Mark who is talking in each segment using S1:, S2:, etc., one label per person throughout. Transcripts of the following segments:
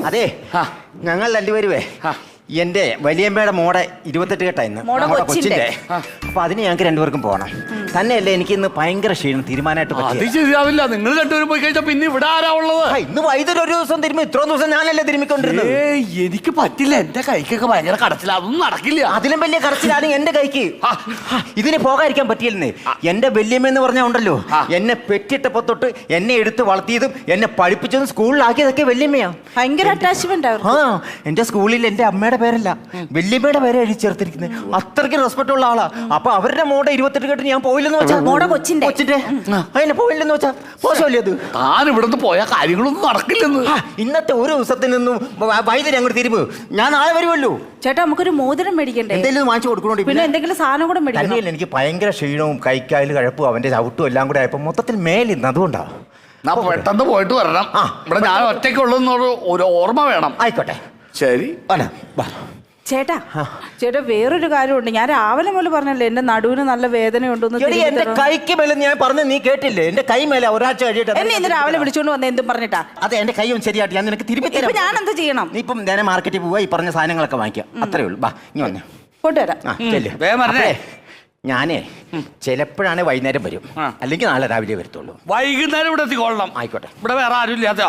S1: അതെ ഞങ്ങൾ രണ്ടുപേരുവേ എന്റെ വലിയമ്മയുടെ മോടെ 28 കെട്ടായിരുന്നു കൊച്ചിന്റെ. അപ്പൊ അതിന് ഞങ്ങൾക്ക് രണ്ടുപേർക്കും പോകണം. തന്നെയല്ലേ എനിക്ക് ഇന്ന് ഭയങ്കര ക്ഷീണം തീരുമാനമായിട്ട്
S2: ശരിയാവില്ല. നിങ്ങൾ രണ്ടുപേരും പോയി കഴിഞ്ഞാൽ പിന്നെ ഇവിടെ ആരാ ഉള്ളത്?
S1: ഇന്ന് വൈദ്യുതി ഒരു ദിവസം തിരുമ്പി ഇത്രയും ദിവസം ഞാനല്ലേ തിരുമ്മിക്കൊണ്ടിരുന്നത്.
S2: എനിക്ക് പറ്റില്ല. എന്റെ കൈക്കൊക്കെ ഭയങ്കര കടച്ചില്ല. അതൊന്നും നടക്കില്ല.
S1: അതിലും വലിയ കടച്ചിലാണ് എന്റെ കൈക്ക്. ഇതിന് പോകാതിരിക്കാൻ പറ്റിയില്ലെന്നേ. എന്റെ വല്യമ്മ എന്ന് പറഞ്ഞാൽ ഉണ്ടല്ലോ, എന്നെ പെറ്റിട്ടപ്പോ തൊട്ട് എന്നെ എടുത്ത് വളർത്തിയതും എന്നെ പഠിപ്പിച്ചതും സ്കൂളിലാക്കിയതൊക്കെ വല്യമ്മയാ.
S3: ഭയങ്കര അറ്റാച്ച്മെന്റ്.
S1: എന്റെ സ്കൂളിൽ എന്റെ അമ്മയുടെ പേരല്ല വല്യമ്മയുടെ പേരെ എഴുതി ചേർത്തിരിക്കുന്നത്. അത്രയ്ക്ക് റെസ്പെക്ട് ഉള്ള ആളാ. അപ്പൊ അവരുടെ മോടെ 28 കെട്ട് ഞാൻ പോയില്ലെന്ന് വെച്ചാ,
S3: മോടെ കൊച്ചിന്റെ
S1: അതിനെ പോയില്ലെന്ന് വെച്ചാ മോശമല്ലേ അത്?
S2: താൻ ഇവിടുന്ന് പോയ കാര്യങ്ങളൊന്നും നടക്കില്ലെന്ന്.
S1: ഇന്നത്തെ ഒരു ദിവസത്തിനൊന്നും വൈദ്യുതി അങ്ങോട്ട് തിരുമ്പ്. ഞാൻ നാളെ വരുമല്ലോ.
S3: ചേട്ടാ നമുക്കൊരു മോതിരം മേടിക്കണ്ടേ?
S1: എന്തെങ്കിലും വാങ്ങിച്ചു കൊടുക്കണോണ്ട്
S3: പിന്നെ എന്തെങ്കിലും സാധനം കൂടെ മേടിക്കണം.
S1: എനിക്ക് ഭയങ്കര ക്ഷീണവും കൈക്കായൽ കഴപ്പും അവന്റെ ചവിട്ടും എല്ലാം കൂടെ ആയപ്പോ മൊത്തത്തിൽ മേലിന്ന്. അതുകൊണ്ടാ
S2: പെട്ടെന്ന് പോയിട്ട് വരണം. ഇവിടെ ഞാൻ ഒറ്റയ്ക്കുള്ളൊരു ഒരു ഓർമ്മ വേണം.
S1: ആയിക്കോട്ടെ
S2: ശരി.
S3: ചേട്ടാ ചേട്ടാ വേറൊരു കാര്യമുണ്ട്. ഞാൻ രാവിലെ മുതൽ പറഞ്ഞല്ലേ എന്റെ നടുവിന് നല്ല വേദനയുണ്ടെന്ന്.
S1: എന്റെ കൈക്ക് മേലെ ഞാൻ പറഞ്ഞു, നീ കേട്ടില്ലേ? എന്റെ കൈ മേലെ ഒരാഴ്ച കഴിയിട്ട്
S3: എന്നെ ഇന്ന് രാവിലെ വിളിച്ചോണ്ട് വന്ന എന്തും പറഞ്ഞിട്ടാ?
S1: അതെ, എന്റെ കൈ ഒന്ന് ശരിയായിട്ട് ഞാൻ നിനക്ക് തിരുമ്പി തരാം.
S3: ഞാൻ എന്ത് ചെയ്യണം?
S1: നീ ഇപ്പം നേരെ മാർക്കറ്റിൽ പോവാ, ഈ പറഞ്ഞ സാധനങ്ങളൊക്കെ വാങ്ങിക്കാം. അത്രേ ഉള്ളൂ. ബാ ഇനി വന്നേ
S3: കൊണ്ടുവരാം.
S1: ഞാനേ ചിലപ്പോഴാണ് വൈകുന്നേരം വരും, അല്ലെങ്കിൽ നാളെ രാവിലെ വരത്തുള്ളൂ.
S2: വൈകുന്നേരം ഇവിടെ എത്തിക്കൊള്ളണം.
S1: ആയിക്കോട്ടെ.
S2: ഇവിടെ വേറെ ആരും ഇല്ലാത്ത.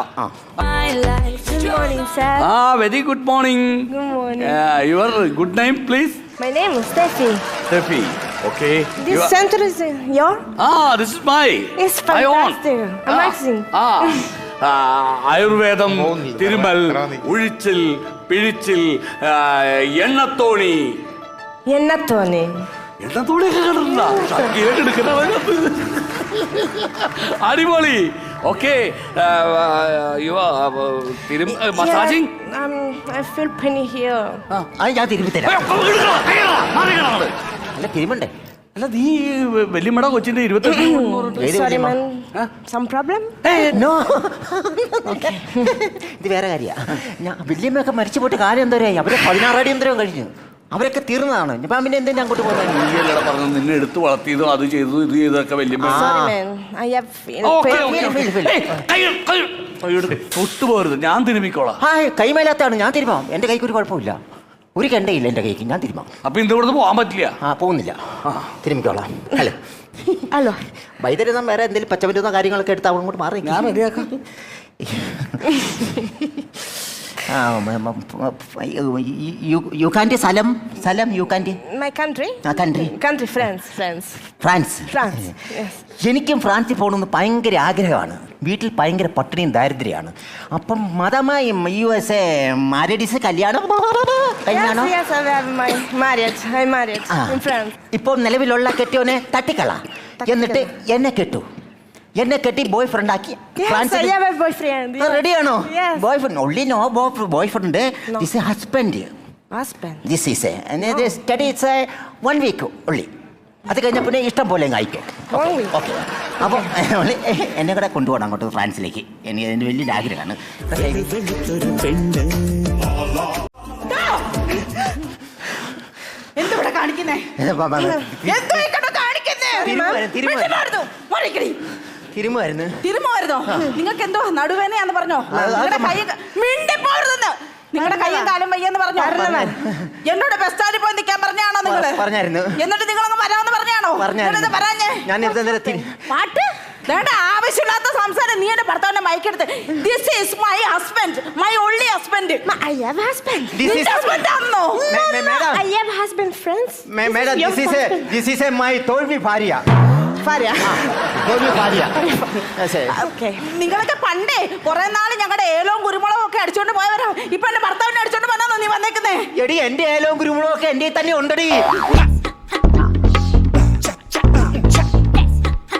S2: Very good morning. Your good name please?
S4: My name is Steffi.
S2: Steffi. Okay.
S4: This center is your?
S2: This is my.
S4: It's fantastic. Amazing.
S2: ആയുർവേദം, തിരുമൽ, ഉഴിച്ചിൽ, പിഴിച്ചിൽ, എണ്ണത്തോണി.
S4: എണ്ണത്തോണി.
S2: എണ്ണത്തോണിയൊക്കെ കണ്ടിട്ടുണ്ടോ? അടിപൊളി. Okay. Massaging.
S4: I feel pain here.
S1: ഞാൻ തിരുമ്പി തരാം. അല്ല തിരുമ്പണ്ടേ?
S2: അല്ല നീ വല്യമ്മയുടെ കൊച്ചിന്റെ 28.
S4: Sorry man. Some problem?
S1: No. ഇത് വേറെ കാര്യ. ഞാൻ വല്യമ്മയൊക്കെ മരിച്ചു പോയിട്ട് കാര്യം എന്തോരായി? അവരെ 16 അടി എന്തോരം കഴിഞ്ഞു. അവരൊക്കെ തീർന്നതാണ്. ഞാൻ പിന്നെ എന്തിനാ അങ്ങോട്ട് പോകുന്നത്?
S2: നീയല്ലടാ പറഞ്ഞു നിന്നെ എടുത്ത് വളർത്തിയതും അത് ചെയ്തു ഇത് ചെയ്തൊക്കെ വല്യമ്മ. തൊട്ടുപോരുത്. ഞാൻ തിരുമിക്കോളാം.
S1: കൈമേലാത്താണ്. ഞാൻ തിരുമാം. എന്റെ കൈക്ക് ഒരു കുഴപ്പമില്ല. ഒരു കെണ്ടയില്ല എന്റെ കൈക്ക്. ഞാൻ തിരുമാം.
S2: അപ്പൊ ഇന്ന് ഇവിടുന്ന് പോകാൻ പറ്റില്ല.
S1: പോകുന്നില്ല. തിരുമിക്കോളാം. ഹലോ വൈദ്യുതി വേറെ എന്തെങ്കിലും പച്ചമരുന്നോ കാര്യങ്ങളൊക്കെ എടുത്ത് അങ്ങോട്ട് മാറി.
S2: ഞാൻ റെഡിയാക്കാം.
S1: You can't Salam you can't.
S4: My country? Country France. Yes.
S1: എനിക്കും ഫ്രാൻസിൽ പോകണമെന്ന് ഭയങ്കര ആഗ്രഹമാണ്. വീട്ടിൽ ഭയങ്കര പട്ടിണിയും ദാരിദ്ര്യമാണ്. അപ്പം മതമായി USA മാരേഡീസ് കല്യാണം കഴിഞ്ഞാണോ?
S4: Yes, I'm married in France.
S1: ഇപ്പോൾ നിലവിലുള്ള കെട്ടിയോനെ തട്ടിക്കള, എന്നിട്ട് എന്നെ കെട്ടി ബോയ് ഫ്രണ്ട് ആക്കി റെഡിയാണോ? Boyfriend only no boyfriend. This is husband. This is study. It's 1 week only. അത് കഴിഞ്ഞ പിന്നെ ഇഷ്ടം പോലെ അയക്കും. ഓക്കെ. അപ്പോൾ എന്നെ കൂടെ കൊണ്ടുപോകണം അങ്ങോട്ട് ഫ്രാൻസിലേക്ക്. എനിക്ക് അതിൻ്റെ വലിയൊരു ആഗ്രഹമാണ്.
S3: എന്തുവിടെ കാണിക്കുന്നേ? തിരുമായിരുന്നോ? നിങ്ങൾക്ക് എന്തോ നടുവേനയാന്ന് പറഞ്ഞോ? നിങ്ങളുടെ കയ്യും കാലും വയ്യെന്ന് പറഞ്ഞോ? എന്നോട് ബസ് സ്റ്റാൻഡിൽ പോയി നിൽക്കാൻ പറഞ്ഞാണോ നിങ്ങള്?
S1: പറഞ്ഞായിരുന്നു.
S3: എന്നിട്ട് നിങ്ങളങ്ങ് വരാമെന്ന് പറഞ്ഞാണോ? പാട്ട് വേണ്ട. ആവശ്യമില്ലാത്ത സംസാരം. നീ എന്റെ ഭർത്താവിന്റെ മയക്കെടുത്ത്. This is my husband, my only husband.
S4: I have husband.
S3: husband ആണോ?
S4: I have husband, friends.
S1: Madam, this is my തോൽവി ഭാര്യ.
S3: നിങ്ങളൊക്കെ പണ്ടേ കുറെ നാള് ഞങ്ങളുടെ ഏലവും കുരുമുളകും ഒക്കെ അടിച്ചോണ്ട് പോയവരാ. ഇപ്പൊ എന്റെ ഭർത്താവിനെ അടിച്ചോണ്ട് വന്നാന്നോ നീ വന്നേക്കുന്നേ?
S1: എടി എന്റെ ഏലവും കുരുമുളകും ഒക്കെ എന്റെ തന്നെ ഉണ്ടടി.